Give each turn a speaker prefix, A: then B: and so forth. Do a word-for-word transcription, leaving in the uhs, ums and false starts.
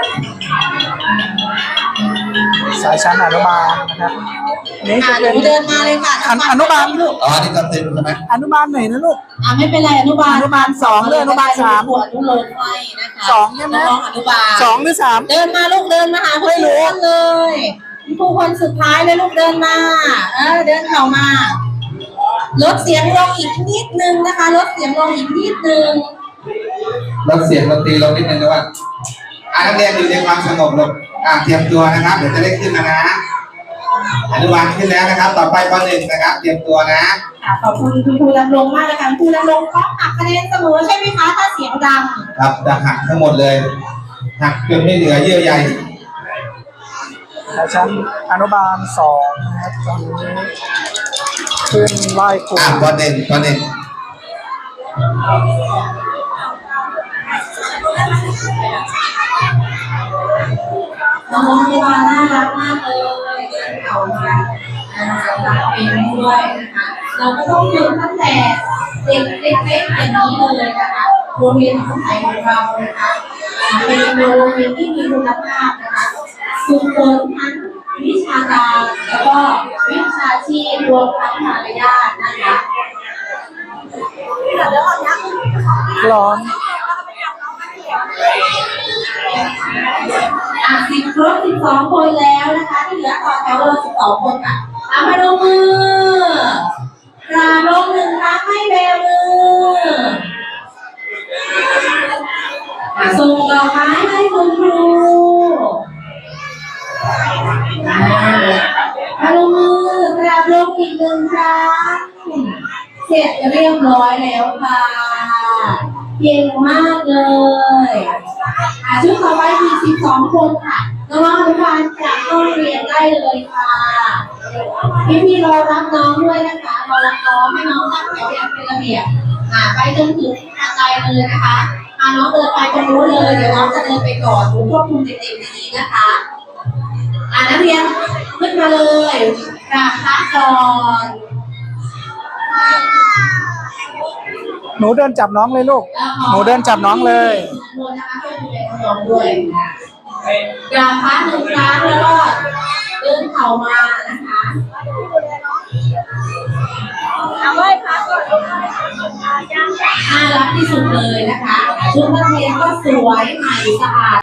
A: สายชั้นอนุบาลนะครับนี่จะเป็น
B: เดินมาเลยค่ะ
A: อนุบาลลูก
C: อ๋อนี่ก็เต็มใช่ไหม
A: อนุบาลไหนนะลูก
B: อ่าไม่เป็นไรอนุบาล
A: อนุบาลสองหรืออนุบาลสาม
B: ขวดอนุโลมให้นะคะ
A: สองใช่ไหม
B: น้องอนุบาล
A: สองหรือสาม
B: เดินมาลูกเดินมาหาคุณครูเลยครูคนสุดท้ายเลยลูกเดินมาเออเดินเข้ามาลดเสียงลงอีกนิดนึงนะคะลดเสียงลงอีกนิดนึง
C: ลดเสียงดนตรีลงนิดนึงนะว่าอ่านักเรียนอยู่ในความสงบลงอ่าเตรียมตัวนะครับเดี๋ยวจะได้ขึ้นแล้วนะอนุบาลขึ้นแล้วนะครับ ต่อไปปหนึ่งนะครับ เตรียมตัวนะ
B: ค่ะขอบคุณคุณครูดำรงมากเลยค่ะคุณครูดำรงก็หักคะแนนเสมอใช่ไหมคะถ้าเสียงดัง
C: ครับจะหักทั้งหมดเลยหักจนไม่เหลือเยื่อใย
A: สายชั้นอนุบาลสองนะครับตอนนี้ขึ้นไล่ครู
C: อ่าปหนึ่งปหนึ่ง
B: น้องๆที่มาน่ารักมากเลยเดินเขามาร้องเพลงด้วยนะคะเราก็ต้องฝึกตั้งแต่เด็กเล็กๆอย่างนี้เลยนะคะโรงเรียนของไทยของเรานะคะเป็นโรงเรียนที่มีคุณภาพนะคะฝึกฝนทั้งวิชาการแล้วก็วิชาชีพรวมทั้งมารยาทนะคะ
A: ร้อน
B: อ่ะสิบครบสิบสองคนแล้วนะคะที่เหลือต่อแถวเราสิบสองคนค่ะเอามาลงมือกราบลงหนึ่งครั้งให้เบลมืออ่ะส่งดอกไม้ให้คุณครูอ่ะมาลงมือกราบลงอีกหนึ่งครั้งเสร็จเรียบร้อยแล้วค่ะเก่งมากเลยอ่ะชุดต่อไปมีสิบสองคนค่ะน้องๆอนุบาลจะเข้าเรียนได้เลยค่ะพี่ๆรอรับน้องด้วยนะคะรอรับน้องให้น้องตั้งแถวอย่างเป็นระเบียบอ่ะไปจนถึงทางไกลเลยนะคะอ่ะน้องเดินไปตรงนู้นเลยเดี๋ยวน้องจะเดินไปก่อนดูควบคุมเด็กๆดีๆนะคะอ่ะนักเรียนขึ้นมาเลยกราบพระก่อน
A: หนูเดินจับน้องเลยลูกหนูเดินจับน้องเลย
B: กราบพระหนึ่งครั้งแล้วก็เดินเข่ามานะคะเอาไหว้พระก่อนน่ารักที่สุดเลยนะคะชุดนักเรียนก็สวยใหม่สะอาด